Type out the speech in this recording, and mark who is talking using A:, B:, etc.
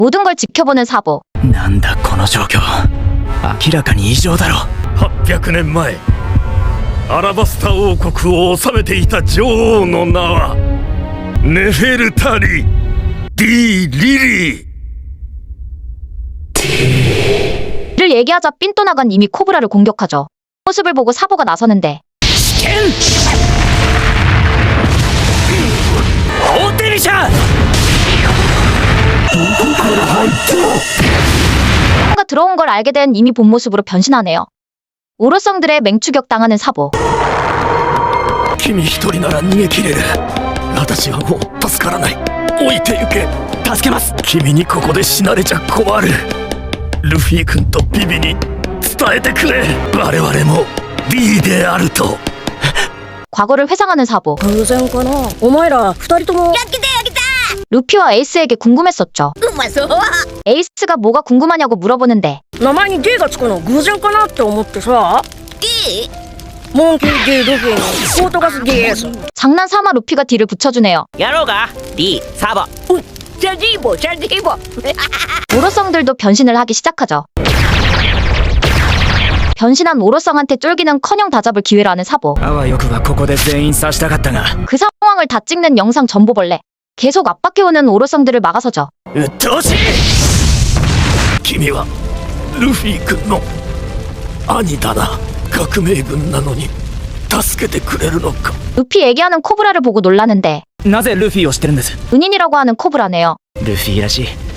A: 모든 걸 지켜보는 사보.
B: なんだこの状況。明らかに異常だろ。
C: 800年前アラバスタ王国を治めていた女王の名はネフェルタリ・ディ・リリー。
A: 이를 얘기하자 삔또 나간 이미 코브라를 공격하죠. 모습을 보고 사보가 나서는데
B: 大手飛車。
A: 뭔가 들어온 걸 알게 된 이미 본 모습으로 변신하네요. 오로성들의 맹추격 당하는 사보.
C: 君一人なら逃げ切れる。私はもう助からない。置いてゆけ。
B: 助けます。
C: 君にここで死なれちゃ困る。ルフィ君とビビに伝えてくれ。我々も B であると。
A: 과거를 회상하는 사보.
D: 偶然かな。お前ら二人とも。
A: 루피와 에이스에게 궁금했었죠.
D: うまそう。
A: 에이스가 뭐가 궁금하냐고 물어보는데
D: 名前に D がつくの偶然かなって思ってさ。D？ モンキー D ルフィのポートガス DS。
A: 장난 삼아 루피가 D를 붙여주네요.
B: やろうか。D サボ。
D: じゃあ D ボじゃあ D ボ。
A: 오로성들도 변신을 하기 시작하죠. 변신한 오로성한테 쫄기는커녕 다잡을 기회를 하는 사보.
B: あわよくばここで全員刺したかったが。
A: 그 상황을 다 찍는 영상 전보벌레. 계속 압박해오는 오로성들을 막아서죠.
B: うっとうしい。
C: 君はルフィ君の兄だな。革命軍なのに助けてくれるのか。
A: 루피 얘기하는 코브라를 보고 놀라는데
B: なぜルフィを知ってるんです。
A: 은인이라고 하는 코브라네요.
B: ルフィらしい。